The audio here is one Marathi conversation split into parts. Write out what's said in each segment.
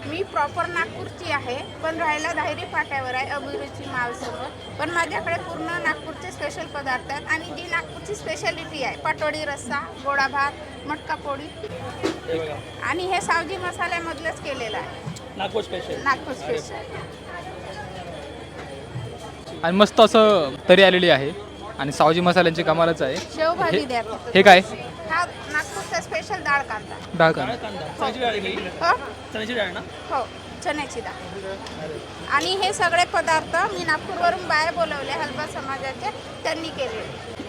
मी प्रॉपर नागपूरची आहे, पण राहायला धायरी फाट्यावर आहे, अभिरुची मालसमोर. पण माझ्याकडे पूर्ण नागपूरचे स्पेशल पदार्थ आहेत आणि जी नागपूरची स्पेशालिटी आहे, पाटोडी रस्सा, गोडा भात, मटका पोळी आणि हे सावजी मसाल्यामधलंच केलेलं आहे. नागपूर स्पेशल. नागपूर स्पेशल. आणि मस्त असं तरी आलेली आहे आणि सावजी मसाल्यांची कमालच आहे. शेवभाजी द्या. हे काय? हा नागपूरचा स्पेशल डाळ कांदा. डाळ कांदा. चण्याची डाळ आहे ही? हो चण्याची डाळ ना? हो, चण्याची डाळ. आणि हे सगळे पदार्थ मी नागपूरवरून बाहेर बोलवले, हलबा समाजाचे, त्यांनी केले.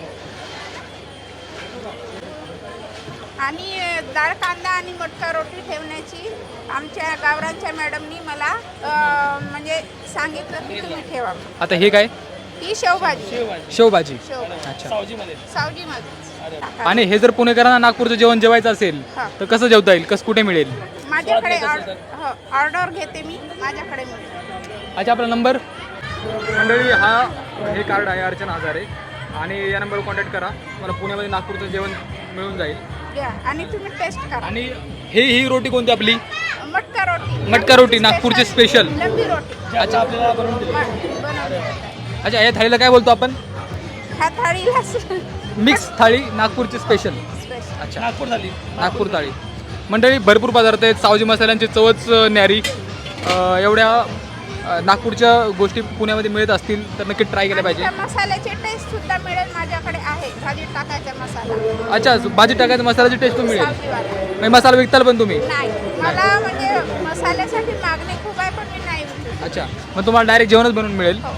आणि डाळ कांदा आणि मटका रोटी ठेवण्याची आमच्या गावरांच्या मॅडमनी मला म्हणजे सांगितलं की तुम्ही ठेवा. आता हे काय? ही शेवभाजी. शेवभाजी. शेवभाजी अच्छा. सावजीमध्ये. सावजीमध्ये. आणि हे जर पुणेकरांना नागपूरचं जेवण जेवायचं असेल हा. तर कसं जेवता येईल? कसं कुठे मिळेल? माझ्याकडे ऑर्डर घेते मी, माझ्याकडे मिळेल. अच्छा, आपला नंबर? मंडळी, हा हे कार्ड आहे अर्चना हजारे आणि या नंबरवर कॉन्टॅक्ट करा. मला पुण्यामध्ये नागपूरचं जेवण मिळून जाईल. घ्या आणि तुम्ही टेस्ट करा. आणि ही रोटी कोणती आपली? मटका रोटी. मटका रोटी, नागपूरची स्पेशल. लंबी रोटी. अच्छा, आपल्याला बनवून दिली. बनवली. अच्छा, या थाळीला काय बोलतो आपण? ह्या थाळीला मिक्स थाळी, नागपूरची स्पेशल. स्पेशल. अच्छा, नागपूर झाली. नागपूर थाळी. मंडळी, भरपूर पदार्थ आहेत. सावजी मसाल्यांची चवच न्यारी. एवढ्या नागपूरच्या गोष्टी पुण्यामध्ये मिळत असतील तर नक्की ट्राय केल्या पाहिजे. मसाल्याची टेस्ट सुद्धा मिळेल, माझ्याकडे आहे भाजी टाकायचा मसाला. अच्छा, भाजी टाकायचा मसाल्याची टेस्ट पण मिळेल. सावजीवाला. म्हणजे मसाला विकताल पण तुम्ही? नाही, मला म्हणजे मसाल्यासाठी मागणी खूप आहे, पण मी नाही विकत. अच्छा, मग तुम्हाला डायरेक्ट जेवणच बनवून मिळेल. हो.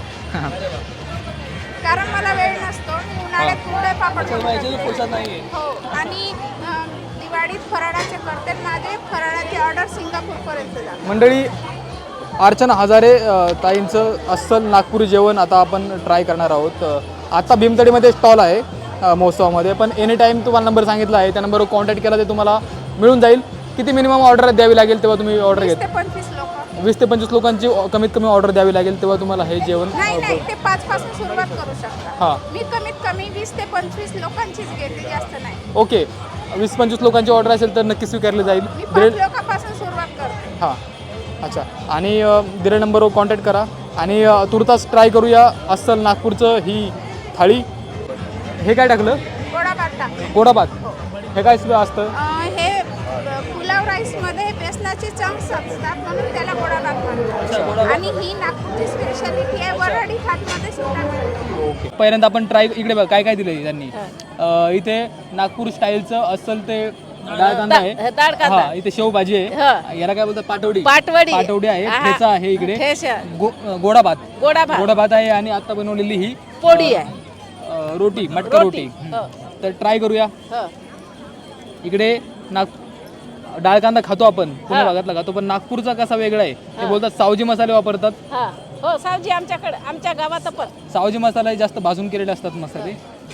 कारण मला वेळ नसतो. मी उन्हाळ्यात कुरडे पापड जेवायचं फुरसत नाहीये. हो. आणि दिवाळीत फराळाचे करते. माझे फराळाची ऑर्डर सिंगापूरपर्यंत जाते. मंडळी, अर्चना हजारे ताईंचं अस्सल नागपुरी जेवण आता आपण ट्राय करणार आहोत. आता भीमतडीमध्ये स्टॉल आहे महोत्सवामध्ये, पण एनी टाईम तुम्हाला नंबर सांगितला आहे, त्या नंबरवर कॉन्टॅक्ट केला तर तुम्हाला मिळून जाईल. किती मिनिमम ऑर्डर द्यावी लागेल तेव्हा तुम्ही ऑर्डर 20 घेत? ते 25 लोक. 20 ते 25 लोकांची कमीत कमी ऑर्डर द्यावी लागेल तेव्हा तुम्हाला हे जेवण. नाही, ते 5 पासून सुरुवात करू शकता. हां. मी कमीत कमी 20 ते 25 लोकांचीच घेते, जास्त नाही. ओके, 20-25 लोकांची ऑर्डर असेल तर नक्की स्वीकारली जाईल. मी 5 लोकांपासून सुरुवात करते. हां, अच्छा. आणि दिलेल्या नंबरवर कॉन्टॅक्ट करा आणि तुर्तास ट्राय करूया अस्सल नागपूरचं ही थाळी. हे काय टाकलं? गोडा भात टाकते. गोडा भात. हे काय असतं? हे पुलाव राईसमध्ये बेसनाचे चंक्स असतात, म्हणून त्याला गोडा भात म्हणतात. आणि ही नागपूरची स्पेशालिटी आहे. वऱ्हाडी भातमध्ये सुद्धा मिळते. ओके, पहिल्यांदा आपण ट्राय. इकडे बघा काय काय दिलं त्यांनी. इथे नागपूर स्टाईलचं अस्सल ते डाळ कांदा आहे. हा, इथे शेवभाजी आहे. याला काय बोलतात? पाटवडी. पाटवडी आहे. ठेचा आहे इकडे. गोडा भात. गोडा भात आहे. आणि आता बनवलेली ही पोळी आहे, रोटी, मटका रोटी. तर ट्राय करूया. इकडे डाळ कांदा खातो आपण, पुणे भागातला खातो, पण नागपूरचा कसा वेगळा आहे. ते बोलतात सावजी मसाले वापरतात. हो, सावजी आमच्याकडे, आमच्या गावात पण सावजी मसाला जास्त भाजून केलेले असतात मसाले.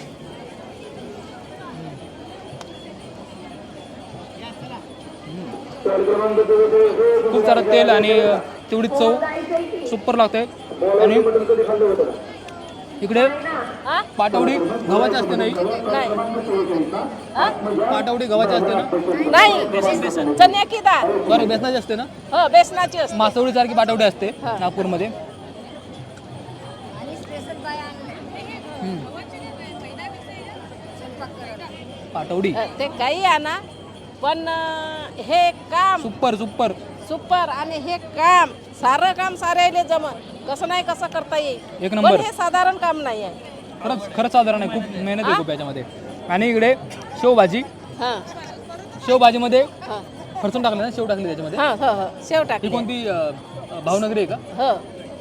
खूप सारं तेल आणि तेवढी चव सुपर लागते. आणि इकडे पाटवडी गव्हाची असते. नाही, पाटवडी गव्हाची असते ना? नाही, चण्या की डाळ. सॉरी, बेसनाची असते ना? हो, बेसनाची असते. मासवडी सारखी पाटवडी असते नागपूरमध्ये. पाटवडी ते काही आणा, पण हे काम सुपर सुपर सुपर. आणि हे काम सारं काम साऱ्याले जमन, कसं नाही कसं करता येईल. एक नंबर. पण हे साधारण काम नाही आहे. खरंच साधारण आहे. खूप मेहनत आहे खूप याच्यामध्ये. आणि इकडे शेवभाजी. हां शेवभाजीमध्ये हां फरसून टाकलं ना? शेव टाकली त्याच्यामध्ये. हां हो, शेव ही टाकली. कोणती भावनगरी आहे का? हो.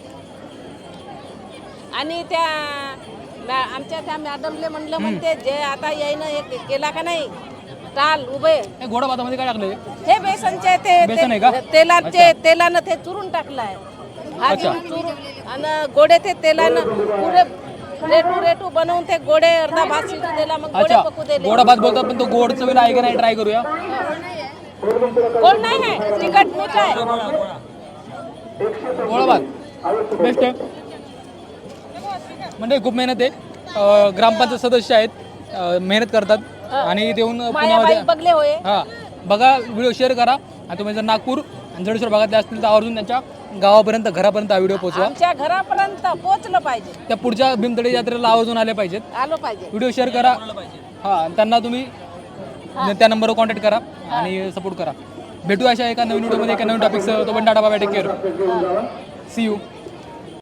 आणि त्या आमच्या त्या मॅडमले म्हणलं, म्हणते जे आता यायनं एक केला का नाही टाल उभे. हे गोडा भातामध्ये काय टाकलंय? हे बेसनचे बेसन आहे का? तेलानं ते चुरून टाकलंय. अच्छा. चुरून आणि गोडे ते तेलानं पुरे रेटू बनवून ते गोडे अर्धा भात शिजू दिला, मग गोडे अच्छा, पकू दिले. गोडा भात बोलतात, पण तो गोड चवीला आहे का नाही ट्राय करूया. गोड नाही आहे, तिखट मीठ आहे. गोडा भात बेस्ट आहे. म्हणजे खूप मेहनत आहे. ग्रामपंचायत सदस्य आहेत, मेहनत करतात आणि इथे येऊन मायाबाई पुण्यामध्ये. बगले होय. हां, बघा, व्हिडिओ शेअर करा. आणि तुम्ही जर नागपूर जडेश्वर भागातले असतील तर आवर्जून त्यांच्या गावापर्यंत घरापर्यंत हा व्हिडिओ पोहोचवा. आमच्या घरापर्यंत पोहोचलं पाहिजे, त्या पुढच्या भीमतडी यात्रेला आवर्जून आले पाहिजेत. आलो पाहिजे. व्हिडिओ शेअर करा. हां, त्यांना तुम्ही त्या नंबरवर कॉन्टॅक्ट करा आणि सपोर्ट करा. भेटू अशा एका नवीन व्हिडिओमध्ये एका नवीन टॉपिकसह. तो पण tata bye, take care, see you.